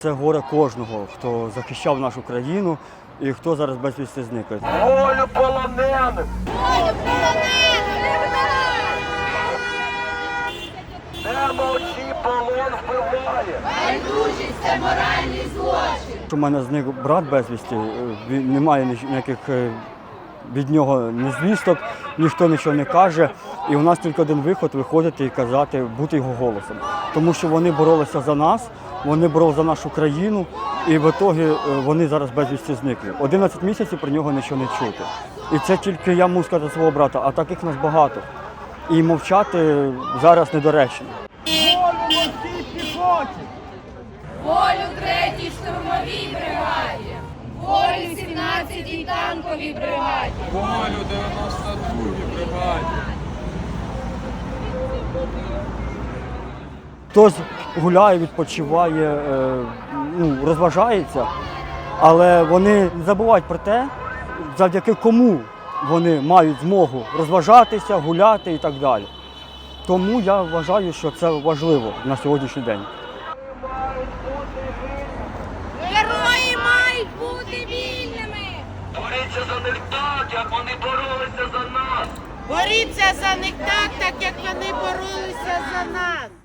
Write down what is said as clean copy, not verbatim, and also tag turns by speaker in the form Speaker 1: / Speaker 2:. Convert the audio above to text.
Speaker 1: Це горе кожного, хто захищав нашу країну і хто зараз безвісти зникає.
Speaker 2: Волю полонених!
Speaker 3: Волю полонених!
Speaker 2: Не мовчи, полон вбиває!
Speaker 3: Байдужість – це моральний злочин!
Speaker 1: У мене зник брат безвісти, немає ніяких від нього ні звісток, ніхто нічого не каже. І у нас тільки один виход – виходити і казати, бути його голосом. Тому що вони боролися за нас, вони боролися за нашу країну, і в ітогі вони зараз безвісти зникли. 11 місяців про нього нічого не чути. І це тільки я можу сказати свого брата, а таких нас багато. І мовчати зараз недоречно.
Speaker 3: Волю 3-й штурмовій бригаді! Волю 17-й танковій бригаді!
Speaker 4: Волю 92-й бригаді!
Speaker 1: Хтось гуляє, відпочиває, розважається, але вони не забувають про те, завдяки кому вони мають змогу розважатися, гуляти і так далі. Тому я вважаю, що це важливо на сьогоднішній день.
Speaker 3: Герої мають бути вільними!
Speaker 2: Боріться за них так, як вони боролися за нас!
Speaker 5: Боріться за них так, як вони боролися за нас.